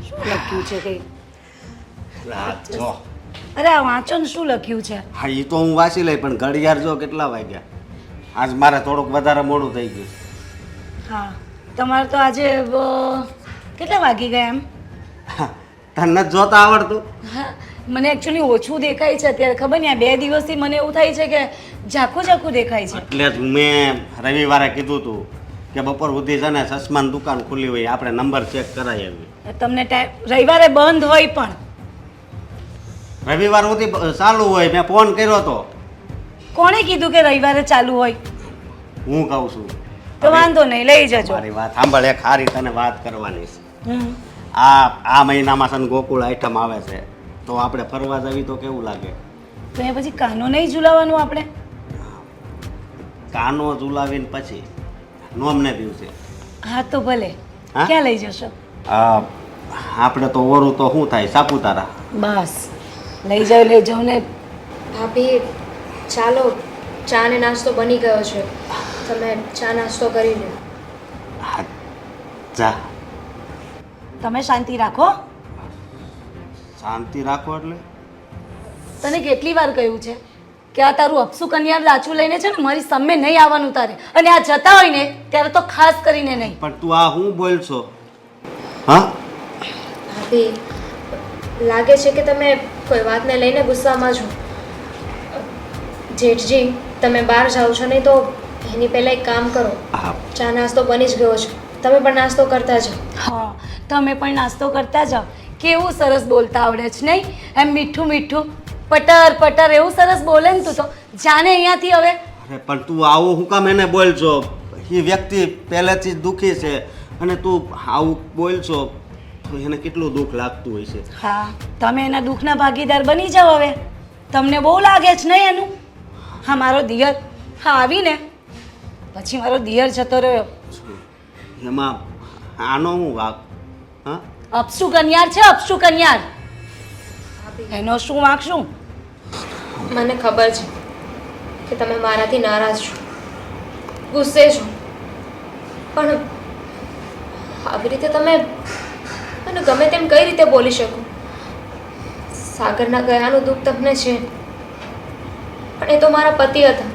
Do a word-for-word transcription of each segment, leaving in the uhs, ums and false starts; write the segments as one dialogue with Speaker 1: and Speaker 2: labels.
Speaker 1: શું લખ્યું છે કઈ?
Speaker 2: રાત જો
Speaker 1: અરે આ વાંચો ને શું લખ્યું છે?
Speaker 2: હા એ તો હું વાંચી લઈ પણ ઘડિયાળ જો કેટલા વાગ્યા. આજ મારે થોડુંક વધારે મોડું થઈ ગયું.
Speaker 1: હા તમારે તો આજે અ, કેટલા વાગી ગયા એમ?
Speaker 2: તને નથી જોતા આવડતું?
Speaker 1: હા મને એકચ્યુઅલી ઓછું દેખાય છે અત્યારે. ખબર નહીં આ બે દિવસથી મને એવું થાય છે કે ઝાખું ઝાખું દેખાય છે.
Speaker 2: એટલે જ મેં રવિવારે કીધું હતું કે બપોર સુધી છે ને ચશ્માની દુકાન ખુલ્લી હોય આપણે નંબર ચેક કરાવી આવી.
Speaker 1: તમને ટાઈમ રવિવારે બંધ હોય પણ
Speaker 2: રવિવાર સુધી ચાલુ હોય. મેં ફોન કર્યો હતો.
Speaker 1: કોણે કીધું કે રવિવારે ચાલુ હોય?
Speaker 2: હું કહું છું.
Speaker 1: તો વાંધો નહીં લઈ જજો.
Speaker 2: મારી વાત સાંભળ, એક સારી તને વાત કરવાની છે.
Speaker 1: હમ
Speaker 2: આ આ મહિનામાં છે ને ગોકુળ આઈટમ આવે છે તો આપણે ફરવા જવી તો કેવું લાગે?
Speaker 1: તો એ પછી કાનો નહીં ઝુલાવાનું આપણે?
Speaker 2: કાનો ઝુલાવીને પછી નોમને દિવસે
Speaker 1: હા તો ભલે.
Speaker 2: હા?
Speaker 1: ક્યાં લઈ જશો?
Speaker 2: આ આપણે તો ઓરું તો શું થાય સાપુતારા.
Speaker 1: બસ લઈ જાઓ લઈ જાઓ ને.
Speaker 3: ભાભી ચાલો, ચા ને નાસ્તો બની ગયો છે, તમે ચા નાસ્તો કરી લો.
Speaker 2: હા, જા.
Speaker 1: તમે શાંતિ રાખો.
Speaker 2: શાંતિ રાખો એટલે
Speaker 1: તને કેટલી વાર કહ્યું છે કે આ તારું અપસુ કન્યા લાચું લઈને છે ને મારી સામે નહીં આવવાનું તારે, અને આ જતા હોય ને ત્યારે તો ખાસ કરીને નહીં.
Speaker 2: પણ તું આ હું બોલશો? હા
Speaker 3: ભાભી લાગે છે કે તમે કોઈ વાતને લઈને ગુસ્સામાં છો. જેઠજી તમે બહાર જાઓ છો નહીં તો એની પહેલાં એક કામ કરો,
Speaker 2: હા
Speaker 3: ચા નાસ્તો બની જ ગયો છે, તમે પણ નાસ્તો કરતા જાઓ.
Speaker 1: હા તમે પણ નાસ્તો કરતા જાઓ. કેવું સરસ બોલતા આવડે છે નહીં? એમ મીઠું મીઠું પટર પટર એવું સરસ બોલે ને તું તો. જાને અહીંયાથી હવે.
Speaker 2: અરે પણ તું આવું હું કામ એને બોલશો? એ વ્યક્તિ પહેલેથી જ દુઃખી છે અને તું આવું બોલશો તો એને કેટલું દુઃખ લાગતું હોય છે.
Speaker 1: હા તમે એના દુઃખના ભાગીદાર બની જાઓ હવે. તમને બહુ લાગે છે નહીં એનું? હા મારો દિયર હા આવીને પછી મારો દિયર જતો રહ્યો.
Speaker 2: એમાં આનો હું વાક? હા
Speaker 1: અપસુ કન્યાર છે, અપસુ કન્યાર. એનો શું વાંક શું?
Speaker 3: મને ખબર છે કે તમે મારાથી નારાજ છો, ગુસ્સે છો, પણ આવી રીતે તમે મને ગમે તેમ કઈ રીતે બોલી શકો? સાગરના ગયાનું દુઃખ તમને છે, પણ એ તો મારા પતિ હતા.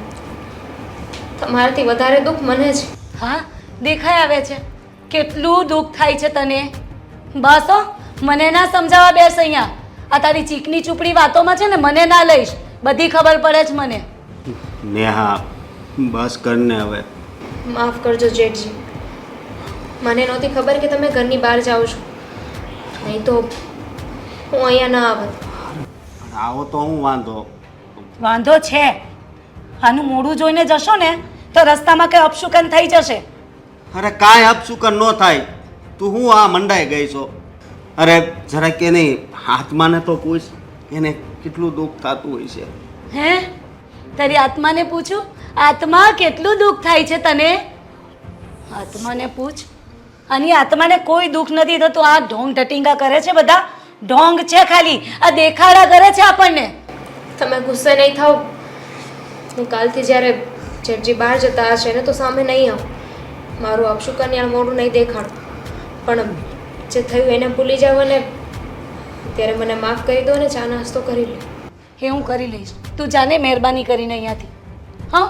Speaker 3: તમારાથી વધારે દુઃખ મને છે.
Speaker 1: હા દેખાય આવે છે કેટલું દુઃખ થાય છે તને. બસ હો, મને ના સમજાવવા બેસ અહીંયા. આ તારી ચીકની ચૂપડી વાતોમાં છે ને મને ના લઈશ. બધી ખબર પડે છે મને.
Speaker 2: નેહા બસ કરને હવે.
Speaker 3: માફ કરજો જેઠજી, મને નહોતી ખબર કે તમે ઘરની બહાર જાઓ છો, નહીં તો હું અહીંયા ના આવત.
Speaker 2: પણ આવો તો હું વાંધો?
Speaker 1: વાંધો છે. આનું મોઢું જોઈને જશો ને તો રસ્તામાં કંઈ અપશુકન થઈ જશે.
Speaker 2: અરે કાંઈ અપશુકન ન થાય. તું હું આ મંડાઈ ગઈ છો? અરે જરા કે નહીં આત્માને તો પૂછ, એને કેટલું દુઃખ થતું હોય છે.
Speaker 1: હે તારી આત્માને પૂછું? આત્મા કેટલું દુઃખ થાય છે તને? આત્માને પૂછ. આની આત્માને કોઈ દુઃખ નથી થતું. આ ઢોંગ ઢટીંગા કરે છે બધા. ઢોંગ છે ખાલી. આ દેખાડા કરે છે આપણને.
Speaker 3: તમે ગુસ્સે નહીં થાઓ. હું કાલથી જ્યારે જેઠજી બહાર જતા હશે ને તો સામે નહીં આવું. મારું અપશુકન્યા મોઢું નહીં દેખાડું. પણ જે થયું એને ભૂલી જાવ અને ત્યારે મને માફ કરી દો ને ચા નાસ્તો કરી લો.
Speaker 1: એ હું કરી લઈશ. તું જાને મહેરબાની કરીને અહીંયાથી. હા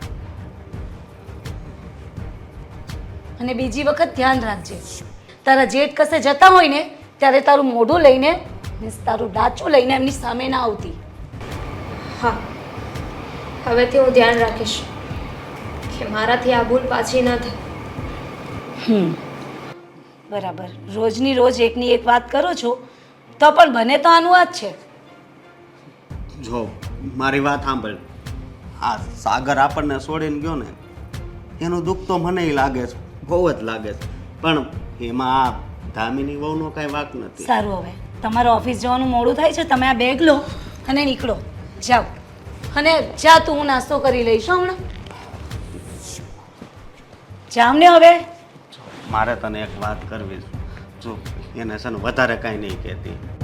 Speaker 1: અને બીજી વખત ધ્યાન રાખજે, તારા જેઠ કસે જતા હોય ને ત્યારે તારું મોઢું લઈને મીન્સ તારું ડાચું લઈને એમની સામે ના આવતી.
Speaker 3: હા હવેથી હું ધ્યાન રાખીશ કે મારાથી આ ભૂલ પાછી ન થાય.
Speaker 1: હમ બરાબર. રોજની રોજ એકની એક વાત કરો છો તો પણ બને તો આનું આ જ છે.
Speaker 2: જો મારી વાત સાંભળ, આ સાગર આપણને છોડીને ગયો ને એનું દુઃખ તો મને લાગે છે, બહુ જ લાગે છે. પણ એમાં આ ધામીની વહુનો કાંઈ વાંક નથી.
Speaker 1: સારું હવે તમારે ઓફિસ જવાનું મોડું થાય છે, તમે આ બેગ લો અને નીકળો. જાઓ અને જા તું, હું નાસ્તો કરી લઈશ હો હમણાં. જાવ ને હવે.
Speaker 2: મારે તને એક વાત કરવી છે. જો એને છે ને વધારે કાંઈ નહીં કહેતી.